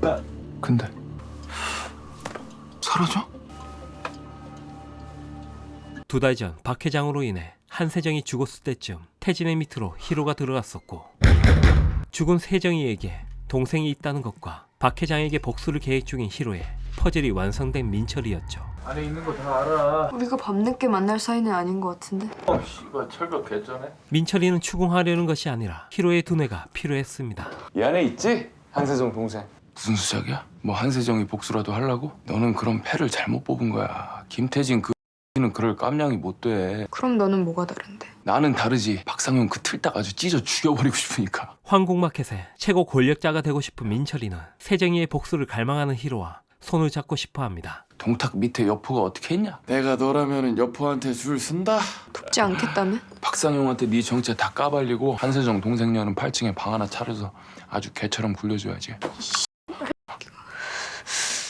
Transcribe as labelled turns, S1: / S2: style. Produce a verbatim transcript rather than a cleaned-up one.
S1: 근데 사라져?
S2: 두 달 전 박 회장으로 인해 한세정이 죽었을 때쯤 태진의 밑으로 희로가 들어갔었고, 죽은 세정이에게 동생이 있다는 것과 박 회장에게 복수를 계획 중인 희로의 퍼즐이 완성된 민철이었죠.
S1: 안에 있는 거 다 알아.
S3: 우리가 밤늦게 만날 사이는 아닌 것 같은데.
S1: 어, 씨발 철벽 개쩌네.
S2: 민철이는 추궁하려는 것이 아니라 희로의 두뇌가 필요했습니다.
S4: 이 안에 있지? 한세정 동생.
S1: 무슨 수작이야? 뭐 한세정이 복수라도 하려고? 너는 그런 패를 잘못 뽑은 거야. 김태진 그 는 그럴 깜냥이 못 돼.
S3: 그럼 너는 뭐가 다른데?
S1: 나는 다르지. 박상현 그 틀딱 아주 찢어 죽여버리고 싶으니까.
S2: 황궁마켓의 최고 권력자가 되고 싶은 민철이는 세정이의 복수를 갈망하는 희로와 손을 잡고 싶어합니다.
S1: 동탁 밑에 여포가 어떻게 했냐?
S4: 내가 너라면은 여포한테 줄 쓴다.
S3: 돕지 않겠다면?
S1: 박상용한테 네 정체 다 까발리고 한세정 동생녀는 팔 층에 방 하나 차려서 아주 개처럼 굴려줘야지.